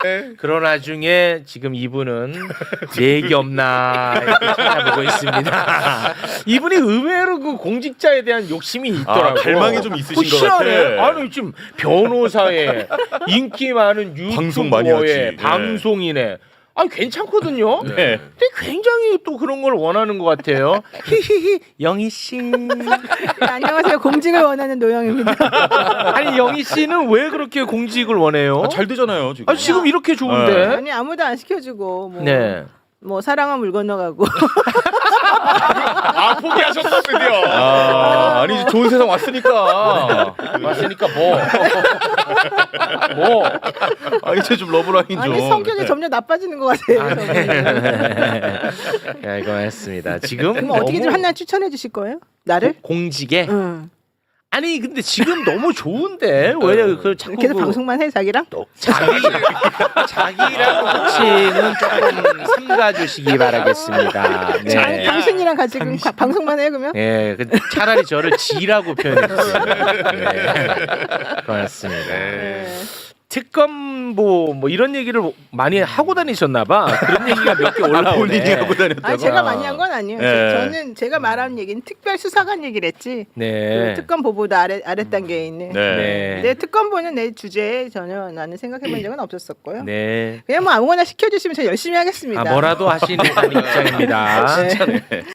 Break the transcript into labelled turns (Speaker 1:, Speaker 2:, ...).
Speaker 1: 그런 와중에 지금 이분은 얘기 없나 이렇게 찾아보고 있습니다. 이분이 의외로 그 공직자에 대한 욕심이 있더라고요.
Speaker 2: 갈망이 좀 있으신 것
Speaker 1: 희한해.
Speaker 2: 같아.
Speaker 1: 아니 지금 변호사에 인기 많은
Speaker 2: 방송 많이
Speaker 1: 유튜버에
Speaker 2: 하지.
Speaker 1: 방송인에 아 괜찮거든요.
Speaker 2: 네.
Speaker 1: 근데 굉장히 또 그런 걸 원하는 것 같아요. 히히히 영희 씨.
Speaker 3: 네, 안녕하세요. 공직을 원하는 노영입니다.
Speaker 1: 아니 영희 씨는 왜 그렇게 공직을 원해요?
Speaker 2: 잘 되잖아요 지금.
Speaker 1: 아, 지금 이렇게 좋은데.
Speaker 2: 네.
Speaker 3: 아니 아무도 안 시켜주고 뭐,
Speaker 1: 네.
Speaker 3: 뭐 사랑은 물 건너가고
Speaker 2: 아 포기하셨어 드디어. 아니 좋은 세상 왔으니까.
Speaker 1: 왔으니까 뭐.
Speaker 2: 아 이제 좀 러브라인 좀.
Speaker 3: 아니 성격이 점점 나빠지는 것 같아요.
Speaker 1: 야, 이거 했습니다. 지금
Speaker 3: 그럼 어떻게 좀
Speaker 1: 너무
Speaker 3: 하나 추천해 주실 거예요? 나를?
Speaker 1: 공직에
Speaker 3: 응.
Speaker 1: 아니 근데 지금 너무 좋은데 왜 그 자꾸
Speaker 3: 계속
Speaker 1: 그
Speaker 3: 방송만 해 자기랑?
Speaker 1: 자기랑 혹시는 조금 삼가주시기 바라겠습니다.
Speaker 3: 아니,
Speaker 1: 네.
Speaker 3: 당신이랑 같이 그럼 방송만 해 그러면?
Speaker 1: 예, 그 차라리 저를 지라고 표현해주세요. 네, 고맙습니다.
Speaker 3: 네.
Speaker 1: 특검보 뭐 이런 얘기를 많이 하고 다니셨나봐. 그런 얘기가 몇 개 올라오네.
Speaker 2: 본인이 하고 다녔다고.
Speaker 3: 아니 제가 많이 한 건 아니에요.
Speaker 2: 네.
Speaker 3: 저는 제가 말한 얘기는 특별수사관 얘기를 했지.
Speaker 1: 네.
Speaker 3: 그 특검보도 아래 단계에 있는.
Speaker 2: 네.
Speaker 1: 네.
Speaker 3: 내 특검보는 내 주제에 전혀 나는 생각해본 적은 없었었고요.
Speaker 1: 네.
Speaker 3: 그냥 뭐 아무거나 시켜주시면 제가 열심히 하겠습니다.
Speaker 1: 아, 뭐라도 하시는 입장입니다.
Speaker 3: 네.